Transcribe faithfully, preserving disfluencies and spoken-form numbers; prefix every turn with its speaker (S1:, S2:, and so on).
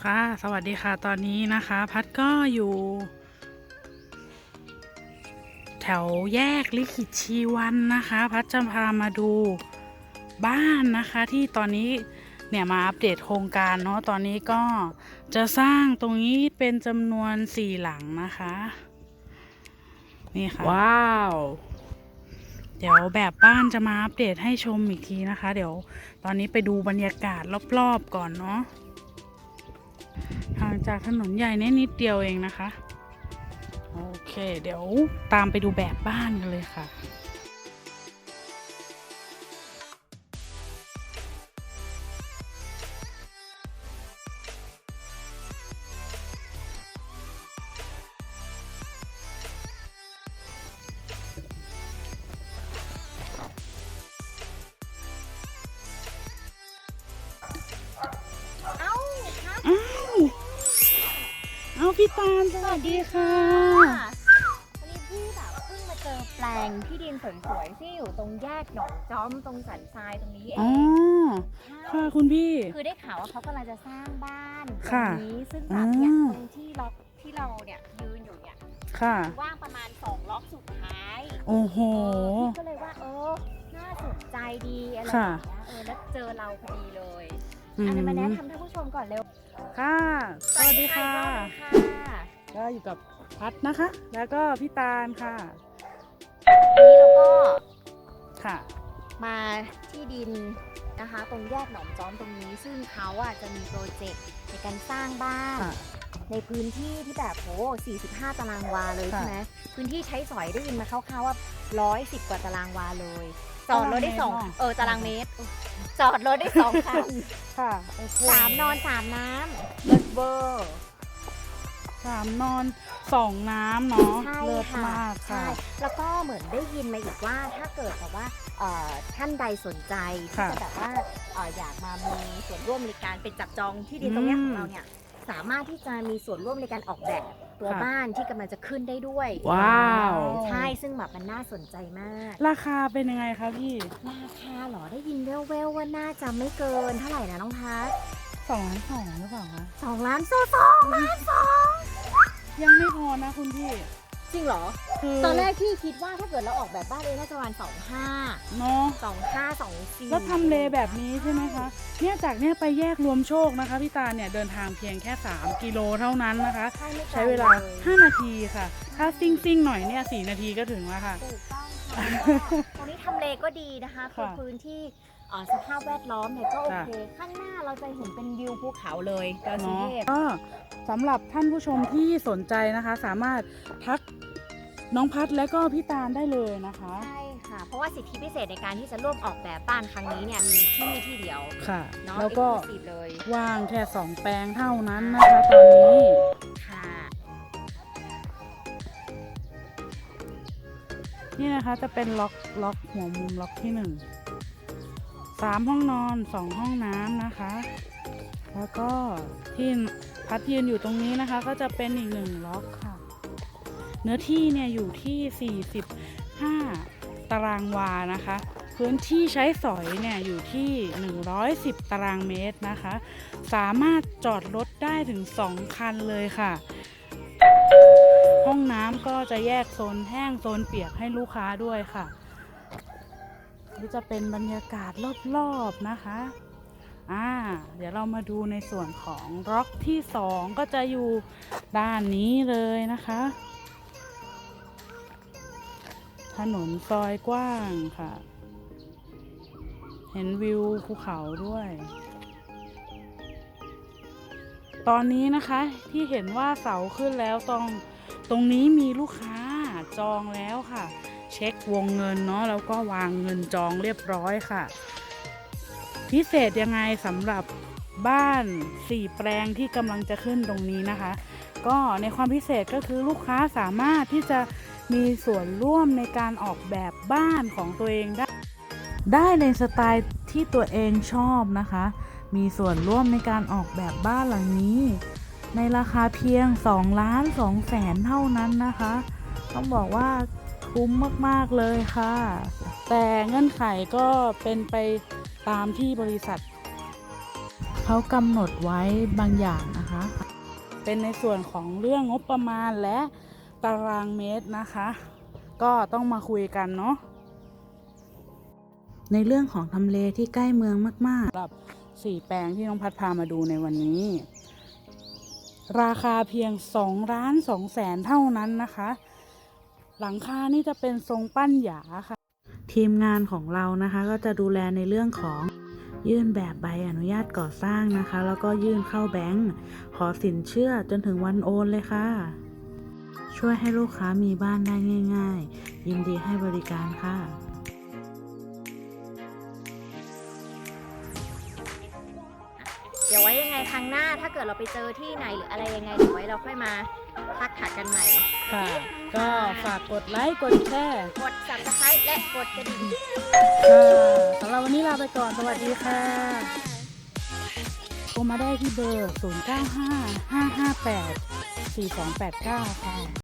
S1: ค่ะสวัสดีค่ะตอนนี้นะคะพัดก็อยู่ แถวแยกลิขิตชีวันนะคะพัดจะพามาดูบ้านนะคะที่ตอนนี้เนี่ยมาอัปเดตโครงการเนาะตอนนี้ก็จะสร้างตรงนี้เป็นจำนวนสี่หลังนะคะนี่ค่ะว้าวเดี๋ยวแบบบ้านจะมาอัปเดตให้ชมอีกทีนะคะเดี๋ยวตอนนี้ไปดูบรรยากาศรอบๆก่อนเนาะห่างจากถนนใหญ่นิดเดียวเองนะคะโอเคเดี๋ยวตามไปดูแบบบ้านกันเลยค่ะ
S2: เอ้าครับ
S1: อ้าวเอาพี่ตาลสวัสดีค่ะ
S2: วันนี้พี่แบบเพิ่งมาเจอแปลงที่ดินสวยๆที่อยู่ตรงแยกหนองจอมตรงสันทรายตรงนี้เอ
S1: อ๋อง ค่ะคุณพี่
S2: คือได้ข่าวว่าเขากำลังจะสร้างบ้านตร
S1: ค่ะ
S2: งนี้ซึ่งแบบเนี่ย
S1: อืม
S2: ตรงที่ล็อกที่เราเนี่ยยืนอยู่เนี่ย
S1: ค่ะ
S2: ว่างประมาณสองล็อกสุดท้าย
S1: โอ้โห
S2: พี่ก็เลยว่าเออน่าสนใจดีอะไรแบ
S1: ค่ะ
S2: บเนี้ยเออแล้วเจอเราพอดีเลย
S1: อืม
S2: อันนี้มาแนะนำท่านผู้ชมก่อนเร็ว
S1: ค่ะ สวัสดีค่ะ
S2: สวัสดีค่ะ
S1: ก็อยู่กับพัดนะคะ แล้วก็พี่ตาลค่ะ
S2: วันนี้เราก็
S1: ค่ะ
S2: มาที่ดินนะคะตรงแยกหนองจอมตรงนี้ซึ่งเขาอ่ะจะมีโปรเจกต์ในการสร้างบ้าน
S1: ค่ะ
S2: ในพื้นที่ที่แบบโหสี่สิบห้าตารางวาเลย
S1: ค่ะ
S2: ใช่ไหมพื้นที่ใช้สอยได้ยินมาคร่าวๆว่าร้อยสิบกว่าตารางวาเลยจอดรถได้สอง
S1: ตารางเมตร
S2: เออตารางเมตรจอดรถได้สองคัน
S1: ค่ะโอเค
S2: สามนอนสามน้ำเลิศเวอร์
S1: สามนอนสองน้ำเนาะ
S2: ใช่
S1: เลิศ
S2: ค่ะ
S1: มาก
S2: ใช่
S1: ค่ะ
S2: แล้วก็เหมือนได้ยินมาอีกว่าถ้าเกิดแบบว่าเอ่อท่านใดสนใจที่
S1: ค่ะ
S2: จะแบบว่าเอ่ออยากมามีส่วนร่วมในการเป็นจับจองที่ดินตรงเนี้ย
S1: อืม
S2: ของเราเนี่ยสามารถที่จะมีส่วนร่วมในการออกแบบตัว
S1: ค่ะ
S2: บ้านที่กำลังจะขึ้นได้ด้วย
S1: ว้าว
S2: ใช่ซึ่งแบบมันน่าสนใจมาก
S1: ราคาเป็นยังไงคะพี่
S2: ราคาเหรอได้ยินแว่วๆว่าน่าจะไม่เกินเท่าไหร่นะน้องพัท
S1: สองล้านสองหรือเปล่าคะ
S2: สองล้านโซสองล้านสอง
S1: ยังไม่พอนะคุณพี่
S2: จริงเหรอ
S1: คือ
S2: ตอนแรกที่คิดว่าถ้าเกิดเราออกแบบบ้านเองน่าจะประมาณสองห้า
S1: เนาะ
S2: สองห้าสองสี่
S1: แล้วทำเลแบบนี้ใช่ไหมคะ เนี่ยจากเนี่ยไปแยกรวมโชคนะคะพี่ตาเนี่ยเดินทางเพียงแค่สามกิโลเท่านั้นนะคะ
S2: ใช่ไม่ไก
S1: ใช้เวลาห้านาทีค่ะ ถ้าซิ่งซิ่งๆหน่อยเนี่ยสี่นาทีก็ถึงแล้วค่ะ
S2: ถูกต้องค่ะตรงนี้ทำเลก็ดีนะคะคือ
S1: ค่ะ
S2: พื้นที่เอ่อสภาพแวดล้อมเนี่ยก็โอ
S1: ค่ะ
S2: เค ข้างหน้าเราจะเห็นเป็นวิวภูเขาเลยดอยสุ
S1: เนาะ
S2: เทพ
S1: ก็สำหรับท่านผู้ชมที่สนใจนะคะ สามารถทักน้องพัดและก็พี่ตาลได้เลยนะคะ
S2: ใช่ค่ะ เพราะว่าสิทธิพิเศษในการที่จะร่วมออกแบบบ้านครั้งนี้เนี่ยมีที่นี่ที่เดียว
S1: ค่ะ
S2: เนาะ
S1: แล้วก็
S2: exclusive เลย
S1: ว่างแค่สองแปลงเท่านั้นนะคะตอนนี้
S2: ค่ะ
S1: นี่นะคะจะเป็นล็อกล็อกหัวมุมล็อกที่หนึ่งสามห้องนอนสองห้องน้ำนะคะ แล้วก็ที่พัดยืนอยู่ตรงนี้นะคะ ก็จะเป็นอีกหนึ่งล็อกค่ะ เนื้อที่เนี่ยอยู่ที่สี่สิบห้าตารางวานะคะ พื้นที่ใช้สอยเนี่ยอยู่ที่หนึ่งร้อยสิบตารางเมตรนะคะ สามารถจอดรถได้ถึงสองคันเลยค่ะ ห้องน้ำก็จะแยกโซนแห้งโซนเปียกให้ลูกค้าด้วยค่ะนี่จะเป็นบรรยากาศรอบๆนะคะอ่าเดี๋ยวเรามาดูในส่วนของล็อกที่สองก็จะอยู่ด้านนี้เลยนะคะ ถนนซอยกว้างค่ะ เห็นวิวภูเขาด้วย ตอนนี้นะคะที่เห็นว่าเสาขึ้นแล้วตรงตรงนี้มีลูกค้าจองแล้วค่ะ เช็ควงเงินเนาะแล้วก็วางเงินจองเรียบร้อยค่ะ พิเศษยังไงสำหรับบ้านสี่แปลงที่กำลังจะขึ้นตรงนี้นะคะ ก็ในความพิเศษก็คือลูกค้าสามารถที่จะมีส่วนร่วมในการออกแบบบ้านของตัวเองได้ ได้ในสไตล์ที่ตัวเองชอบนะคะ มีส่วนร่วมในการออกแบบบ้านหลังนี้ ในราคาเพียงสองล้านสองแสนเท่านั้นนะคะ ต้องบอกว่าคุ้มมากๆเลยค่ะ แต่เงื่อนไขก็เป็นไปตามที่บริษัทเขากำหนดไว้บางอย่างนะคะเป็นในส่วนของเรื่องงบประมาณและตารางเมตรนะคะ ก็ต้องมาคุยกันเนาะในเรื่องของทำเลที่ใกล้เมืองมากๆสำหรับสี่แปลงที่น้องพัดพามาดูในวันนี้ ราคาเพียงสองล้านสองแสนเท่านั้นนะคะ หลังคานี่จะเป็นทรงปั้นหยาค่ะ ทีมงานของเรานะคะก็จะดูแลในเรื่องของยื่นแบบใบอนุญาตก่อสร้างนะคะ แล้วก็ยื่นเข้าแบงก์ขอสินเชื่อจนถึงวันโอนเลยค่ะ ช่วยให้ลูกค้ามีบ้านได้ง่ายๆ ยินดีให้บริการค่ะ
S2: เดี๋ยวไว้ยังไงครั้งหน้าถ้าเกิดเราไปเจอที่ไหนหรืออะไรยังไงเดี๋ยวไว้เราค่อยมาทักหากันใหม่
S1: ค่ะ ก็ฝากกดไลค์กดแชร์
S2: กด ซับสไครบ์ และกดกระดิ่ง
S1: ค่ะสำหรับวันนี้ลาไปก่อนสวัสดีค่ะโทรมาได้ที่เบอร์ ศูนย์ เก้า ห้า ห้า ห้า แปด สี่ สอง แปด เก้า ค่ะ